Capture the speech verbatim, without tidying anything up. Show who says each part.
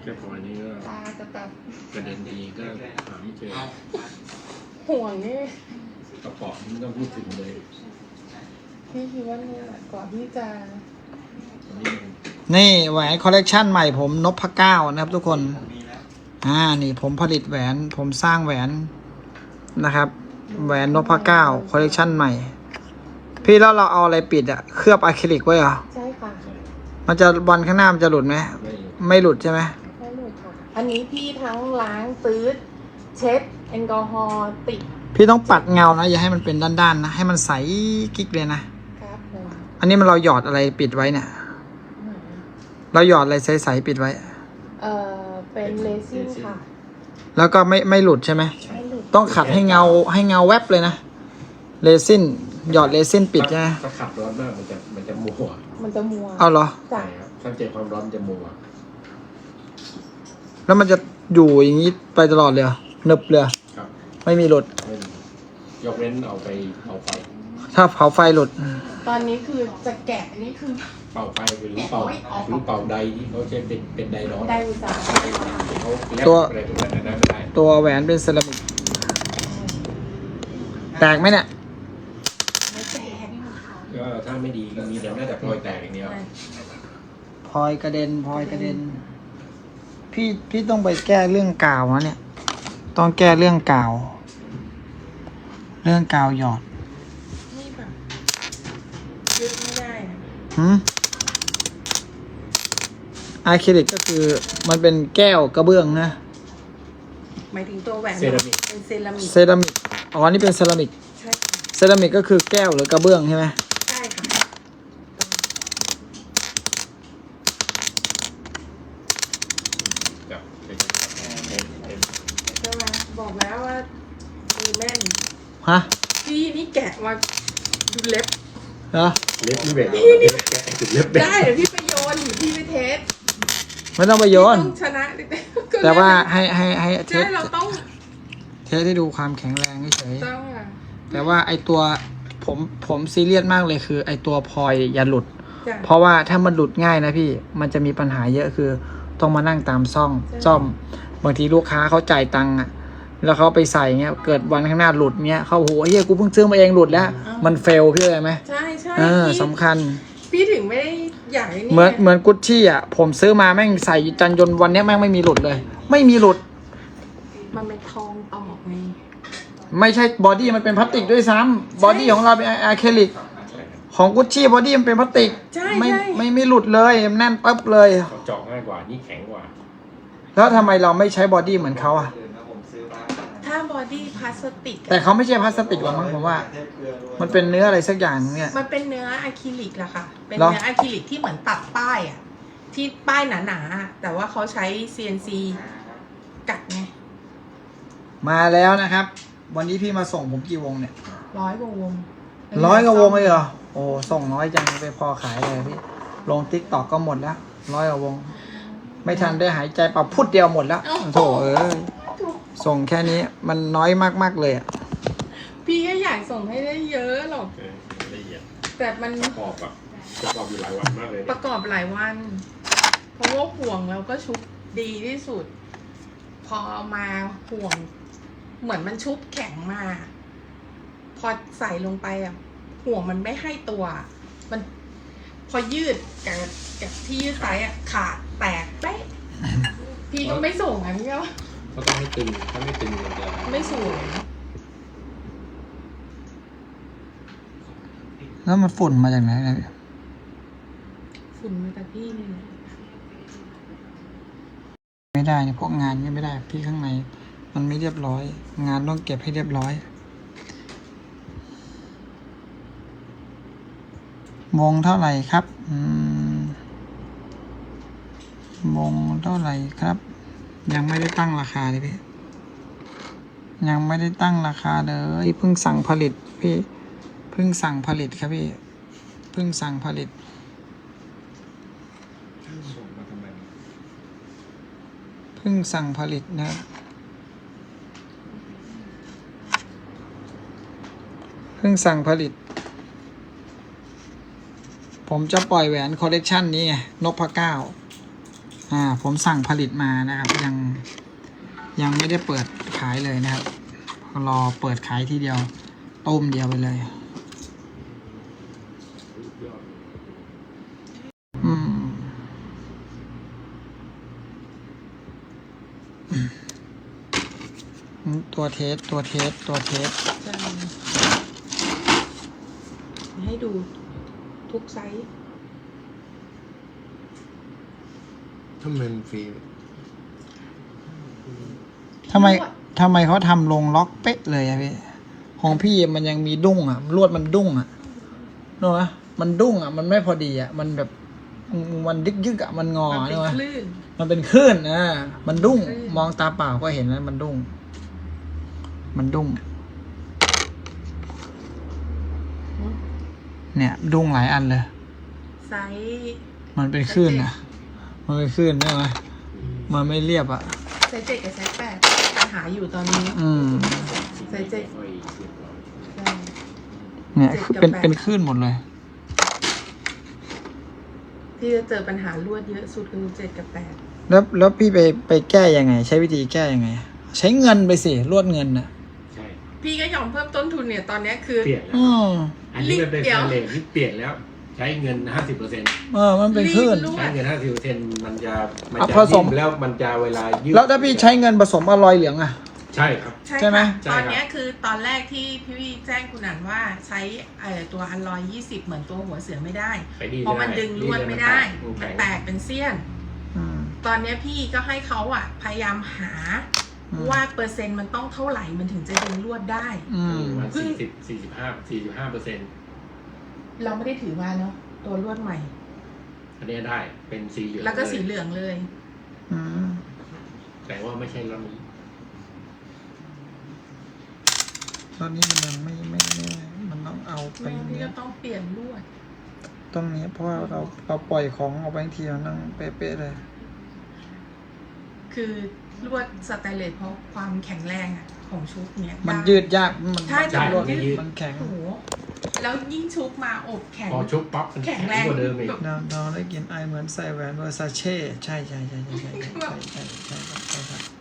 Speaker 1: ค่พอยนี้ก็
Speaker 2: ตาจะแบบ
Speaker 1: ประเด็นดีก็หาไม่เจอ
Speaker 2: ห่วงนี่
Speaker 1: กระป๋องไม่ต้องพูดถึงเลย
Speaker 2: พี่คิดว่าเนี่ยแหละกว่าที่จะ
Speaker 1: ตอนนี้มัน
Speaker 3: นี่แหวนคอลเลกชันใหม่ผมนพเก้านะครับทุกคนอ่านี่ผมผลิตแหวนผมสร้างแหวนนะครับแหวนนพเก้าคอลเลกชันใหม่พี่แล้วเราเอาอะไรปิดอะเคลือบอะคริลิกไว้เหรอ
Speaker 2: ใช่ค่ะ
Speaker 3: มันจะวันข้างหน้ามันจะหลุดไหม
Speaker 1: ไม่
Speaker 3: ไม่หลุดใช่ไหม
Speaker 2: ไม่หลุดค่ะ อันนี้พี่ทั้งล้างตื้ดเช็ดแอลกอฮอล์ติด
Speaker 3: พี่ต้องปัดเงานะอย่าให้มันเป็นด้านๆนะให้มันใสกิ๊กเลยนะครับ
Speaker 2: ผม
Speaker 3: อันนี้มันเราหยอดอะไรปิดไว้เนี่ยเราหยอดอะไรใสๆปิดไว้
Speaker 2: เอ่อเป็นเลซิ่งค่ะ
Speaker 3: แล้วก็ไม่ไม่หลุดใช่ไหม
Speaker 2: ไม่หลุด
Speaker 3: ต้องขัดให้เงาให้เงาแวบเลยนะเรซินหยอดเรซินปิดใช่ไหม
Speaker 1: ถ้าขับร้อนมากมันจะมันจะมัว
Speaker 2: มันจะมัว
Speaker 3: เอาเหรอ
Speaker 1: ใช่
Speaker 2: จ้ะ
Speaker 1: ครับถ้าเจอความร้อนมันจะมัว
Speaker 3: แล้วมันจะอยู่อย่างนี้ไปตลอดเลยเหรอหนึบเลย
Speaker 1: ครับ
Speaker 3: ไม่มีหลุด
Speaker 1: ไม่มียกเว้นเอาไปเป่าไฟ
Speaker 3: ถ้าเผาไฟหลุด
Speaker 2: ตอนนี้คือจะแกะนี่คือ
Speaker 1: เป่าไฟหรือเป่าหรือเป่าใดที่เขาใช้เป็นเป็นไดร้อน
Speaker 2: ไดอุตสาห
Speaker 1: เขาแลบ
Speaker 3: ตัว
Speaker 1: อะไรพวกนั้นนะไม่ได้
Speaker 3: ตัวแหวนเป็นเซรามิกแตกไหมเนี่ย
Speaker 2: ไม่แตก
Speaker 1: ก็ถ้าไม่ดีก็มีแต่น่าจะพลอยแตกอย่างเดียว
Speaker 3: พลอยกระเด็นพลอยกระเด็น พี่พี่ต้องไปแก้เรื่องกาวนะเนี่ย ต้องแก้เรื่องกาว เรื่องกาวหยอด
Speaker 2: ไม่แบบยึดไม่ได้นะ
Speaker 3: หืมอะคริลิกก็คือมันเป็นแก้วกระเบื้องนะ
Speaker 2: หมายถึงตัวแหวน
Speaker 1: เซรามิก
Speaker 2: เป็นเซรามิก
Speaker 3: เซรามิกอ๋อนี่เป็นเซรามิก
Speaker 2: ใช่ค่ะ
Speaker 3: เซรามิกก็คือแก้วหรือกระเบื้องใช่ไหม
Speaker 2: ใช่ค่ะ
Speaker 1: กับเป็นเป็น
Speaker 2: ใช่ไหมบอกแล้วว่ามือแม่น
Speaker 3: ฮะ
Speaker 2: พี่นี่แกะมาดูเล็บ
Speaker 3: เหรอ
Speaker 1: เล็บนี่แบบแกะจุดเล็บ
Speaker 2: ได้เดี๋ยวพี่ไปโยนหรือพี่ไปเทส
Speaker 3: ไม่ต้องไปโยน
Speaker 2: ต้องชนะดิก็
Speaker 3: แต่ว่าให้ให้ให้เท
Speaker 2: ใช่
Speaker 3: ส
Speaker 2: เราต้อง
Speaker 3: เทสให้ดูความแข็งแรงเฉย
Speaker 2: ต้องอ่ะ
Speaker 3: ๆแต่ว่าไอตัวผมผมซีเรียสมากเลยคือ ไอตัวพลอยอย่าหลุด
Speaker 2: จ้ะ
Speaker 3: เพราะว่าถ้ามันหลุดง่ายนะพี่ มันจะมีปัญหาเยอะคือ ต้องมานั่งตามซ่อง
Speaker 2: ใช่
Speaker 3: ซ่อม บางทีลูกค้าเขาจ่ายตังค์อะแล้วเขาไปใส่เงี้ย เกิดวันข้างหน้าหลุดเงี้ยเขาโหเฮียกูเพิ่งซื้อมาเองหลุดแล้ว มันเฟลพี่เลยไหม
Speaker 2: ใช่ใช่
Speaker 3: เออ
Speaker 2: พี่
Speaker 3: สำคัญ
Speaker 2: พี่ถึงไม่ได้อยากไ
Speaker 3: เหมือนเหมือนกุชชี่อ่ะ ผมซื้อมาแม่งใส่จันยนต์วันเนี้ยแม่งไม่มีหลุดเลย ไม่มีหลุด
Speaker 2: มันเป็นทองตอกไง
Speaker 3: ไม่ใช่บอดี้มันเป็นพลาสติกด้วยซ้ำบอดี้ของเราเป็นอะคริลิก ของกุชชี่บอดี้มันเป็นพลาสติก
Speaker 2: ใช่
Speaker 3: ไม่
Speaker 2: ใช่
Speaker 3: ไม่ไม่หลุดเลยแน่นปั๊บเลย
Speaker 1: เขาเจาะง่ายกว่านี่แข็งกว่า
Speaker 3: แล้วทำไมเราไม่ใช้บอดี้เหมือนเขาอ่ะ
Speaker 2: ถ้าบอดี้พลาสติกอะ
Speaker 3: แต่เขาไม่ใช่พลาสติกหรอกมั้งผมว่า มันเป็นเนื้ออะไรสักอย่างเนี่ย
Speaker 2: มันเป็นเนื้ออะคริลิกแหละค่ะ เป็น
Speaker 3: เหรอ
Speaker 2: เนื้ออะคริลิกที่เหมือนตัดป้ายอ่ะ ที่ป้ายหนาๆอะแต่ว่าเขาใช้ ซี เอ็น ซี กัดไง
Speaker 3: มาแล้วนะครับ วันนี้พี่มาส่งผมกี่วงเนี่ย
Speaker 2: ร้อยกว่าวง
Speaker 3: ร้อยกว่าวงเลยเหรอโอ้ส่งน้อยจังไปพอขายเลยพี่ลงติ๊กตอกก็หมดแล้วร้อยกว่าวง ไม่ทันได้หายใจปรับพุดเดียวหมดแล้วโถเอ้ยส่งแค่นี้มันน้อยมากๆเลยอะ
Speaker 2: พี่ก็อยากส่งให้ได้เยอะหรอก
Speaker 1: เออละเอียด
Speaker 2: แต่มัน
Speaker 1: ประกอบแบบประกอบอยู่หลายวันมากเลย
Speaker 2: ป
Speaker 1: เนี่ย
Speaker 2: ระกอบหลายวัน เพราะว่าห่วงแล้วก็ชุบดีที่สุด พอเอามาห่วง เหมือนมันชุบแข็งมา พอใส่ลงไปอ่ะ ห่วงมันไม่ให้ตัว มันพอยืดกับกับที่ยืดไซส์อ่ะขาดแตกเป๊ะพี่ก็ไม่ส่งอ่ะพี่ก็
Speaker 1: เขาต้องให้ตึงถ้าไม่ตึงมันจะ
Speaker 2: ไม่สวย
Speaker 3: แล้วมันฝุ่นมาจากไหนเนี่ย
Speaker 2: ฝุ่นมาจากพี่นี่แหละ
Speaker 3: ไม่ได้เนี่ยพวกงานก็ไม่ได้พี่ข้างในมันไม่เรียบร้อย งานต้องเก็บให้เรียบร้อยวงเท่าไหร่ครับอืมวงเท่าไหร่ครับ ยังไม่ได้ตั้งราคาเลยพี่ยังไม่ได้ตั้งราคาเลยเพิ่งสั่งผลิตพี่เพิ่งสั่งผลิตครับพี่เพิ่งสั่งผลิต
Speaker 1: ส่งมาทำไม
Speaker 3: เพิ่งสั่งผลิตนะเพิ่งสั่งผลิต ผมจะปล่อยแหวนคอลเลกชันนี้ไงนพเก้าอ่า ผมสั่งผลิตมานะครับ ยังยังไม่ได้เปิดขายเลยนะครับ รอเปิดขายทีเดียวต้มเดียวไปเลย อืมตัวเทสตัวเทสตัวเทส
Speaker 2: ใช่ให้ดูทุกไซส์
Speaker 1: ถ้ามันฟรี
Speaker 3: ทำไมทำไมเขาทำลงล็อกเป๊ะเลยอะพี่ ของพี่มันยังมีดุ้งอะลวดมันดุ้งอะเนอะมันดุ้งอะมันไม่พอดีอะมันแบบมันยึกยึกอะมันงอ
Speaker 2: มันเป็น
Speaker 3: เนอะ
Speaker 2: คลื่น
Speaker 3: มันเป็นคลื่นอ่ะมันดุ้ง
Speaker 2: คลื่น
Speaker 3: มองตาเปล่าก็เห็นแล้วมันดุ้ง มันดุ้ง เนี่ย ดุ้งหลายอันเลย
Speaker 2: ไซส์
Speaker 3: มันเป็นคลื่นนะมันเป็นคลื่นใช่ไหมมันไม่เรียบอ่ะ
Speaker 2: ไซส์เจ็ดกับไซส์แปดปัญหาอยู่ตอนนี้
Speaker 3: อืม
Speaker 2: ไซส์เจ็ด
Speaker 1: ค่อยเรียบร้อย
Speaker 2: ใช่
Speaker 3: เนี่ย
Speaker 2: เจ็ดกับ
Speaker 3: เป็น
Speaker 2: แปด
Speaker 3: เป็นคลื่นหมดเลย
Speaker 2: ที่จะเจอปัญหาลวดเยอะสุดคือเจ็ดกับแปด
Speaker 3: แล้วแล้วพี่ไปไปแก้ยังไง ใช้วิธีแก้ยังไง ใช้เงินไปสิลวดเงินน่ะ
Speaker 1: ใช่
Speaker 2: พี่ก็ยอมเพิ่มต้นทุนเนี่ยตอนเนี้ยคือ
Speaker 1: เปลี่ยนแล้ว
Speaker 3: อืม
Speaker 1: อันนี้มันเป็น
Speaker 2: เดี๋ยว
Speaker 1: สแตนเลสที่เปลี่ยนแล้ว ใช้เงินห้าสิบเปอร์เซ็นต์
Speaker 3: เออมันเป็นคลื่น
Speaker 2: รีดลว
Speaker 1: ใช้
Speaker 2: ด
Speaker 1: เงินห้าสิบเปอร์เซ็นต์มันจะมัน
Speaker 3: อ่ะ
Speaker 1: จะ
Speaker 3: ผสม
Speaker 1: ยืดแล้วมันจะเวลายืด
Speaker 3: แล้วถ้าพี่ใช้เงินผสมอลอยเหลืองอ่ะ
Speaker 1: ใช่ครับ
Speaker 2: ใช่
Speaker 3: ใช่ไหม
Speaker 2: ค่ะ
Speaker 1: ใช่
Speaker 2: ต
Speaker 1: ครั
Speaker 2: อน
Speaker 1: บ
Speaker 2: เนี้ยคือตอนแรกที่พี่แจ้งคุณอันว่าใช้เอ่อตัวอันลอยยี่สิบเหมือนตัวหัวเสือไม่ได้
Speaker 1: ไปดี
Speaker 2: เพราะมันดึงลวดไม่ได้ มันแตกเป็นเสี้ยน
Speaker 3: อืม
Speaker 2: ตอนเนี้ยพี่ก็ให้เขาอ่ะ พยายามหา
Speaker 3: อืม
Speaker 2: ว่าเปอร์เซ็นต์มันต้องเท่าไหร่มันถึงจะดึงลวดได้
Speaker 3: อืม
Speaker 1: ประมาณสี่สิบสี่สิบห้าสี่สิบห้าเปอร์เซ็นต์
Speaker 2: เราไม่ได้ถือมาเนาะตัวลวดใหม่
Speaker 1: อันนี้ได้เป็นสีเหลือง
Speaker 2: แล้วก็สี
Speaker 1: เย
Speaker 2: เหลืองเลย
Speaker 3: อืม
Speaker 1: แต่ว่าไม่ใช่แล้วนี้
Speaker 3: ตอนนี้มันยังไม่ไม่ไม่มันต้องเอาไป
Speaker 2: แม่พี่
Speaker 3: เนี้
Speaker 2: ก็
Speaker 3: ย
Speaker 2: ต้องเปลี่ยนลวด
Speaker 3: ตรงนี้เพราะว่าเราเราปล่อยของออกไปทีมันต้องเป๊ะๆเลย
Speaker 2: คือลวดสแตนเลสเพราะความแข็งแรงอ่ะของชุบเนี้ย
Speaker 3: มัน
Speaker 2: ได้
Speaker 3: ยืดยากมัน
Speaker 2: ใช่
Speaker 3: มัน
Speaker 2: แต่
Speaker 3: รวด
Speaker 2: มันยืด
Speaker 3: มันแข็ง
Speaker 2: โอ้โหแล้วยิ่งชุบมาอบแข็ง
Speaker 1: พอชุบปั๊บมัน
Speaker 2: แข็
Speaker 1: แข็
Speaker 2: ง
Speaker 1: ง
Speaker 2: แรง
Speaker 1: กว่าเดิมอีก
Speaker 3: เราเราได้กินไอเหมือนใส่แหวนเวอร์ซาเช่ใช่ใช่ใช่ใช่ใช่ใช่ใช่ใช่ใช่ใช่ครับใช่ครับ